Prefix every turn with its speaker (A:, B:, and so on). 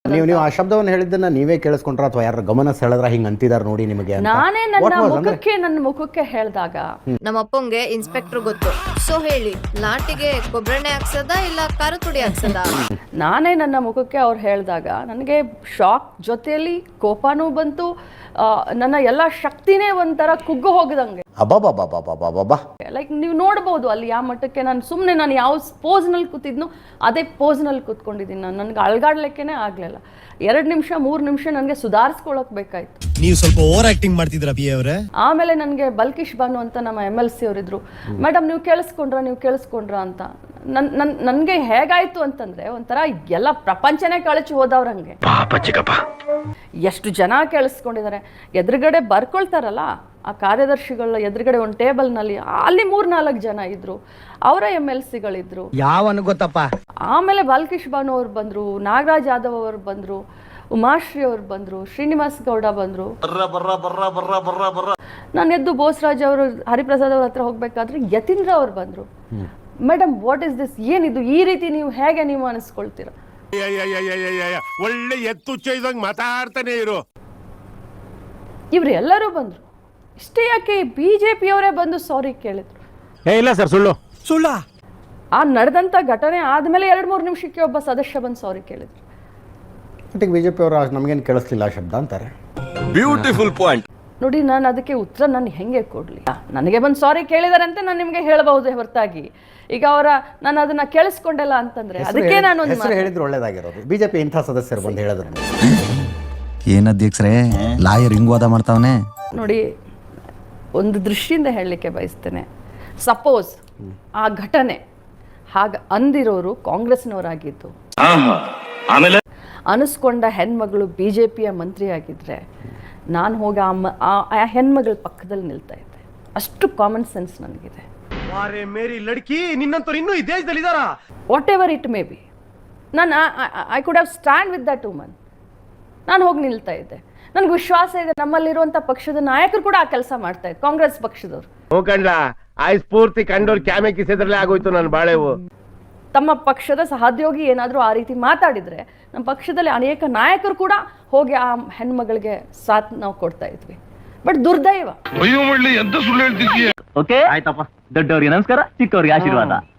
A: ನೀವು ಆ ಶಬ್ದವನ್ನು ಹೇಳಿದ್ದನ್ನ ನೀವೇ ಕೇಳಿಸ್ಕೊಂಡ್ರ ಅಥವಾ ಯಾರ ಗಮನ ಸೆಳೆದ್ರ ಹಿಂಗ್ ಅಂತಿದಾರ ನೋಡಿ ನಿಮಗೆ ಅಂತ?
B: ನಾನೇ ನನ್ನ ಮುಖಕ್ಕೆ ಹೇಳಿದಾಗ
C: ನಮ್ಮ ಅಪ್ಪಂಗೆ ಇನ್ಸ್ಪೆಕ್ಟರ್ ಗೊತ್ತು. ಸೊ ಹೇಳಿ, ಲಾಟಿಗೆ ಕೊಬ್ಬರೆಣ್ಣೆ ಹಾಕ್ಸದ ಇಲ್ಲ ಖಾರ ಪುಡಿ ಹಾಕ್ಸದ?
B: ನಾನೇ ನನ್ನ ಮುಖಕ್ಕೆ ಅವ್ರು ಹೇಳಿದಾಗ ನನಗೆ ಶಾಕ್ ಜೊತೆಯಲ್ಲಿ ಕೋಪನೂ ಬಂತು. ನನ್ನ ಎಲ್ಲ ಶಕ್ತಿನೇ ಒಂಥರ ಕುಗ್ಗು ಹೋಗದಂಗೆ.
A: ಅಬ್ಬಾ
B: ಲೈಕ್ ನೀವು ನೋಡ್ಬೋದು ಅಲ್ಲಿ ಯಾವ ಮಟ್ಟಕ್ಕೆ ನಾನು ಯಾವ ಪೋಸ್ನಲ್ಲಿ ಕೂತಿದ್ನೋ ಅದೇ ಪೋಸ್ನಲ್ಲಿ ಕೂತ್ಕೊಂಡಿದ್ದೀನಿ. ನನಗೆ ಅಳ್ಗಾಡ್ಲಿಕ್ಕೇನೆ ಆಗ್ಲಿಲ್ಲ. 2 ನಿಮಿಷ 3 ನಿಮಿಷ ನನಗೆ ಸುಧಾರಿಸ್ಕೊಳಕ್ ಬೇಕಾಯ್ತು.
D: ನೀವು ಸ್ವಲ್ಪ ಓವರ್ ಆಕ್ಟಿಂಗ್ ಮಾಡ್ತಿದ್ರ ಪಿ ಅವರೇ.
B: ಆಮೇಲೆ ನನಗೆ ಬಲ್ಕಿಶ್ ಬಾನು ಅಂತ ನಮ್ಮ MLC ಅವರಿದ್ರು. ಮೇಡಮ್ ನೀವು ಕೇಳಿಸ್ಕೊಂಡ್ರ ಅಂತ. ನನಗೆ ಹೇಗಾಯ್ತು ಅಂತಂದ್ರೆ ಒಂಥರ ಎಲ್ಲ ಪ್ರಪಂಚನೇ ಕಳಚಿ ಹೋದವ್ರಂಗೆ. ಎಷ್ಟು ಜನ ಕೇಳಿಸ್ಕೊಂಡಿದ್ದಾರೆ. ಎದುರುಗಡೆ ಬರ್ಕೊಳ್ತಾರಲ್ಲ ಆ ಕಾರ್ಯದರ್ಶಿಗಳ ಎದುರುಗಡೆ ಒಂದು ಟೇಬಲ್ನಲ್ಲಿ ಅಲ್ಲಿ 3-4 ಜನ ಇದ್ರು. ಅವರ MLCಗಳಿದ್ರು.
E: ಯಾವನು ಗೊತ್ತಪ್ಪ.
B: ಆಮೇಲೆ ಬಾಲ್ಕಿಶ್ ಬಾನು ಅವ್ರು ಬಂದ್ರು, ನಾಗರಾಜ್ ಯಾದವ್ ಅವರು ಬಂದ್ರು, ಉಮಾಶ್ರೀ ಅವ್ರು ಬಂದ್ರು, ಶ್ರೀನಿವಾಸ್ ಗೌಡ ಬಂದ್ರು. ನಾನು ಎದ್ದು ಬೋಸರಾಜ್ ಅವರು ಹರಿಪ್ರಸಾದ್ ಅವ್ರ ಹತ್ರ ಹೋಗ್ಬೇಕಾದ್ರೆ ಯತೀಂದ್ರ ಅವ್ರು ಬಂದ್ರು. ಮೇಡಮ್ ವಾಟ್ ಇಸ್ ದಿಸ್, ಏನಿದು, ಈ ರೀತಿ ನೀವು ಹೇಗೆ ನೀವು ಅನಿಸ್ಕೊಳ್ತೀರಾ?
F: ಒಳ್ಳೆ ಎತ್ತು ಚೈದಂಗ್ ಮಾತಾಡ್ತಾನೆ ಇರು.
B: ಇವ್ರು ಎಲ್ಲರೂ ಬಂದ್ರು. ಇಷ್ಟೇ ಯಾಕೆ BJP ಅವರೇ ಬಂದು ಸಾರಿ ಕೇಳಿದ್ರು.
A: ಇಲ್ಲ ಸರ್, ಸುಳ್ಳ.
B: ಆ ನಡೆದಂತ ಘಟನೆ ಆದ್ಮೇಲೆ 2-3 ನಿಮಿಷಕ್ಕೆ ಒಬ್ಬ ಸದಸ್ಯ ಬಂದು ಸಾರಿ ಕೇಳಿದ್ರು.
A: ಬಿಜೆಪಿ ಅವರು ನಮಗೇನು ಕೇಳಿಸ್ಲಿಲ್ಲ ಆ ಶಬ್ದ ಅಂತಾರೆ.
F: Beautiful point.
B: ನೋಡಿ, ನಾನು ಅದಕ್ಕೆ ಉತ್ತರ ನಾನು ಹೆಂಗೆ ಕೊಡ್ಲಿ? ನನಗೆ ಬಂದು ಸಾರಿ ಕೇಳಿದಾರೆ ಅಂತ ನಾನು ನಿಮ್ಗೆ ಹೇಳಬಹುದೇ ಹೊರತಾಗಿ ಈಗ ನಾನು ಅದನ್ನ ಕೇಳಿಸ್ಕೊಂಡಲ್ಲ ಅಂತಂದ್ರೆ ಅದಕ್ಕೆ ನಾನು
A: ಹೇಳಿದ್ರು ಒಳ್ಳೇದಾಗಿರೋದು. ಬಿಜೆಪಿ ಇಂಥ ಸದಸ್ಯರು ಬಂದು ಹೇಳಿದ್ರು.
E: ಏನ್ ಅಧ್ಯಕ್ಷರೇ ಲಾಯರ್ ಹಿಂಗ್ ವಾದ ಮಾಡ್ತಾವನೆ
B: ನೋಡಿ, ಒಂದು ದೃಷ್ಟಿಯಿಂದ ಹೇಳಲಿಕ್ಕೆ ಬಯಸ್ತೇನೆ. ಸಪೋಸ್ ಆ ಘಟನೆ ಹಾಗ ಅಂದಿರೋರು ಕಾಂಗ್ರೆಸ್ನವರಾಗಿದ್ದು, ಅನಿಸ್ಕೊಂಡ ಹೆಣ್ಮಗಳು BJPಯ ಮಂತ್ರಿ ಆಗಿದ್ರೆ ನಾನು ಹೋಗಿ ಆ ಹೆಣ್ಮಗಳ ಪಕ್ಕದಲ್ಲಿ ನಿಲ್ತಾ ಇದ್ದೆ. ಅಷ್ಟು ಕಾಮನ್ ಸೆನ್ಸ್ ನನಗಿದೆ. Whatever it may be, ನಾನು I could have stand with that woman. ನಾನು ಹೋಗಿ ನಿಲ್ತಾ ಇದ್ದೆ. ನನಗೆ ವಿಶ್ವಾಸ ಇದೆ ನಮ್ಮಲ್ಲಿರುವಂಥ ಪಕ್ಷದ ನಾಯಕರು ಕೂಡ ಆ ಕೆಲಸ ಮಾಡ್ತಾ ಇದ್ರು, ಕಾಂಗ್ರೆಸ್ ಪಕ್ಷದವರು.
F: ಸ್ಫೂರ್ತಿ ಕಂಡೋರು ಕ್ಯಾಮೆ ಕಿಸೆದ್ರಲ್ಲೇ ಆಗೋಯ್ತು ನನ್ನ ಬಾಳೆವು.
B: ತಮ್ಮ ಪಕ್ಷದ ಸಹೋದ್ಯೋಗಿ ಏನಾದರೂ ಆ ರೀತಿ ಮಾತಾಡಿದ್ರೆ ನಮ್ಮ ಪಕ್ಷದಲ್ಲಿ ಅನೇಕ ನಾಯಕರು ಕೂಡ ಹೋಗಿ ಆ ಹೆಣ್ಮಗಳಿಗೆ ಸಾಥ್ ನಾವು ಕೊಡ್ತಾ ಇದ್ವಿ. ಬಟ್ ದುರ್ದೈವ.
G: ಓಕೆ ಆಯ್ತಪ್ಪ, ದೊಡ್ಡವ್ರಿಗೆ ನಮಸ್ಕಾರ, ಚಿಕ್ಕವ್ರಿಗೆ ಆಶೀರ್ವಾದ.